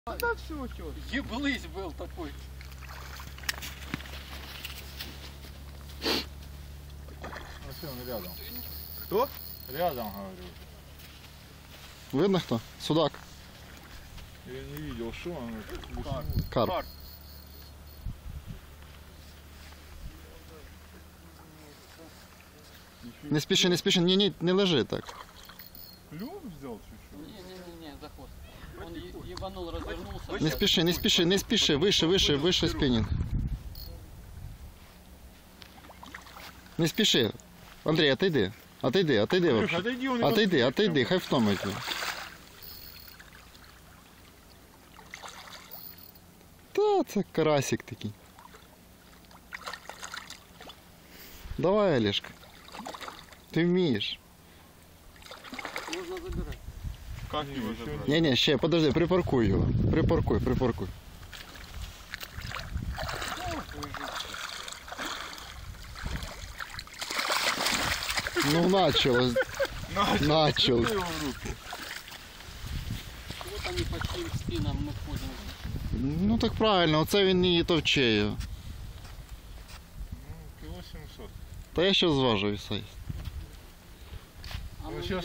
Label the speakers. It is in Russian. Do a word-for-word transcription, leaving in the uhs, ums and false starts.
Speaker 1: Да все, что?
Speaker 2: Еблысь был такой.
Speaker 3: Ну все, он рядом.
Speaker 1: Кто?
Speaker 3: Рядом, говорю.
Speaker 4: Видно кто? Судак.
Speaker 3: Я не видел, что он.
Speaker 1: Карп.
Speaker 4: Карп.
Speaker 1: Карп.
Speaker 4: Не спіши, не спіши, ні, ні, не лежи так.
Speaker 3: Клюв взял чуть-чуть?
Speaker 2: Не-не-не, за хвост. Он е- ебанул, развернулся.
Speaker 4: Не спіши, не спіши, не спіши, вище, вище, вище спінінг. Не спіши. Андрій, отойди. Отойди, отойди
Speaker 3: Слушай,
Speaker 4: вообще.
Speaker 3: отойди, он
Speaker 4: Отойди, отойди, хай втомить. Та це карасик такий. Давай, Олежка. Ти вмієш.
Speaker 2: Можно забирать.
Speaker 1: Как его забрать?
Speaker 4: Ні, ні, ще, подожди, припаркуй його. Припаркуй, припаркуй. Ну, началось. Началось.
Speaker 1: Его в руки.
Speaker 2: Вот они по чьим спинам мы ходим.
Speaker 4: Ну так правильно, оце він і товче його.
Speaker 3: Ну, кило семьсот.
Speaker 4: Та я ще зважу і все.
Speaker 2: А
Speaker 3: Ну,
Speaker 2: мы
Speaker 3: сейчас